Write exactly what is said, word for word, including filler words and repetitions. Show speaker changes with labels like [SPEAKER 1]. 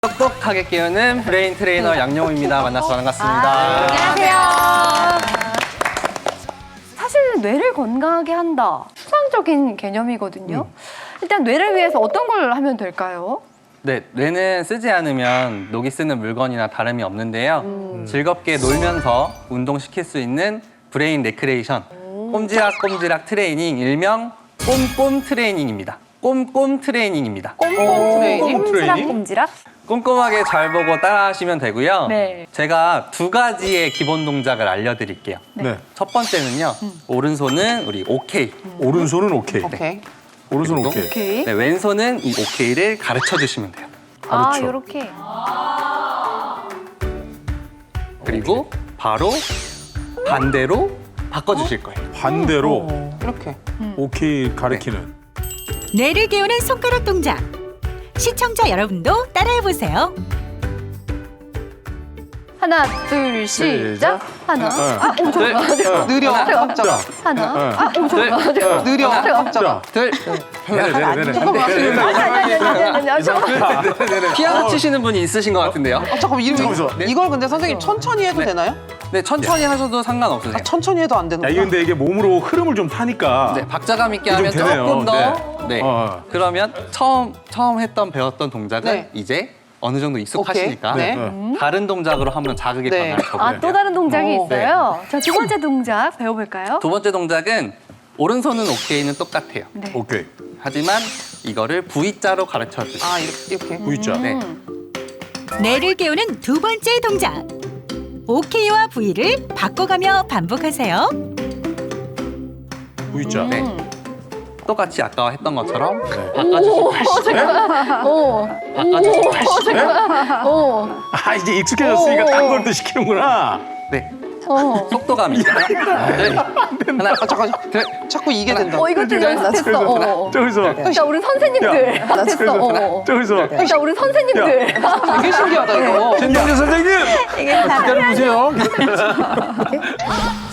[SPEAKER 1] 똑똑하게 깨우는 브레인 트레이너 양용우입니다. 만나서 반갑습니다.
[SPEAKER 2] 아, 안녕하세요. 사실 뇌를 건강하게 한다. 추상적인 개념이거든요.
[SPEAKER 1] 음.
[SPEAKER 2] 일단 뇌를 위해서 어떤 걸 하면 될까요?
[SPEAKER 1] 네, 뇌는 쓰지 않으면 녹이 쓰는 물건이나 다름이 없는데요.
[SPEAKER 2] 음.
[SPEAKER 1] 즐겁게 놀면서 운동시킬 수 있는 브레인 레크레이션, 꼼지락꼼지락 트레이닝, 일명 꼼꼼 트레이닝입니다. 꼼꼼 트레이닝입니다.
[SPEAKER 2] 꼼꼼 트레이닝?
[SPEAKER 3] 트레이닝?
[SPEAKER 2] 꼼지락?
[SPEAKER 1] 꼼꼼하게 잘 보고 따라하시면 되고요.
[SPEAKER 2] 네.
[SPEAKER 1] 제가 두 가지의 기본 동작을 알려드릴게요.
[SPEAKER 3] 네.
[SPEAKER 1] 첫 번째는요, 오른손은 우리 오케이.
[SPEAKER 3] 오른손은 오케이.
[SPEAKER 2] 오케이.
[SPEAKER 3] 오른손
[SPEAKER 1] 그리고
[SPEAKER 3] 오케이.
[SPEAKER 2] 오케이.
[SPEAKER 1] 네, 왼손은 이 오케이를 가르쳐 주시면 돼요.
[SPEAKER 2] 아,
[SPEAKER 3] 가르쳐.
[SPEAKER 2] 요렇게.
[SPEAKER 1] 그리고 바로 반대로 바꿔주실 거예요.
[SPEAKER 3] 반대로
[SPEAKER 4] 이렇게.
[SPEAKER 3] 오케이 가리키는.
[SPEAKER 5] 뇌를 깨우는 손가락 동작. 시청자 여러분도 따라해보세요.
[SPEAKER 2] 하나, 둘, 시작. 하나. 아, 오,
[SPEAKER 1] 둘,
[SPEAKER 2] 잠깐만.
[SPEAKER 4] 느려.
[SPEAKER 2] 잠깐만.
[SPEAKER 3] 자,
[SPEAKER 2] 하나. 아, 오,
[SPEAKER 1] 둘,
[SPEAKER 2] 잠깐만. 잠깐만.
[SPEAKER 4] 느려.
[SPEAKER 2] 잠깐만.
[SPEAKER 3] 자,
[SPEAKER 1] 둘,
[SPEAKER 3] 내려, 내려, 내려.
[SPEAKER 2] 잠깐만. 아니, 아니, 아니, 아니, 아니, 잠깐만.
[SPEAKER 1] 피아노 치시는 분이 있으신 것 같은데요.
[SPEAKER 4] 아, 잠깐만, 이름
[SPEAKER 3] 잠깐만요.
[SPEAKER 1] 네.
[SPEAKER 4] 이걸 근데 선생님 천천히 해도
[SPEAKER 1] 네.
[SPEAKER 4] 되나요?
[SPEAKER 1] 네, 천천히 하셔도 상관없으세요.
[SPEAKER 4] 아, 천천히 해도 안 되는
[SPEAKER 3] 야,
[SPEAKER 4] 거야?
[SPEAKER 3] 이게 근데 이게 몸으로 흐름을 좀 타니까.
[SPEAKER 1] 네, 박자감 있게
[SPEAKER 3] 좀
[SPEAKER 1] 하면
[SPEAKER 3] 되네요.
[SPEAKER 1] 조금 더. 네.
[SPEAKER 3] 어, 어.
[SPEAKER 1] 그러면 처음 처음 했던 배웠던 동작은
[SPEAKER 4] 네.
[SPEAKER 1] 이제 어느 정도 익숙하시니까
[SPEAKER 4] 오케이. 네.
[SPEAKER 3] 네.
[SPEAKER 1] 다른 동작으로 한번 자극이
[SPEAKER 4] 네.
[SPEAKER 1] 변할 거고요.
[SPEAKER 2] 아, 또 다른 동작이
[SPEAKER 4] 오.
[SPEAKER 2] 있어요. 자, 두 번째 동작 배워볼까요?
[SPEAKER 1] 두 번째 동작은 오른손은 오케이는 똑같아요.
[SPEAKER 2] 네.
[SPEAKER 3] 오케이.
[SPEAKER 1] 하지만 이거를 V자로 가르쳐 주세요.
[SPEAKER 4] 아, 이렇게. 이렇게.
[SPEAKER 3] V자.
[SPEAKER 1] 네.
[SPEAKER 5] 뇌를 깨우는 두 번째 동작. 오케이와 V를 바꿔가며 반복하세요.
[SPEAKER 3] V자.
[SPEAKER 1] 네.
[SPEAKER 2] 음.
[SPEAKER 1] 똑같이 아까 했던 것처럼
[SPEAKER 3] 네.
[SPEAKER 1] 바꿔주실
[SPEAKER 2] 오,
[SPEAKER 1] 바꿔주실
[SPEAKER 2] 오,
[SPEAKER 3] 아, 이제 익숙해졌으니까 딴 걸 또 시키는구나.
[SPEAKER 1] 네.
[SPEAKER 2] 오.
[SPEAKER 1] 속도감이 있어요. 네. 하나,
[SPEAKER 4] 아, 잠깐,
[SPEAKER 1] 둘,
[SPEAKER 4] 자꾸 이게 된다.
[SPEAKER 2] 어, 이거 좀 연습했어. 어, 어.
[SPEAKER 3] 저기서.
[SPEAKER 2] 자, 우리 선생님들.
[SPEAKER 3] 야,
[SPEAKER 2] 나 됐어. 어, 어.
[SPEAKER 3] 저기서.
[SPEAKER 2] 자, 우리 선생님들.
[SPEAKER 4] 되게 신기하다, 이거.
[SPEAKER 3] 신정재 선생님!
[SPEAKER 2] 이게 다
[SPEAKER 3] 기다려보세요.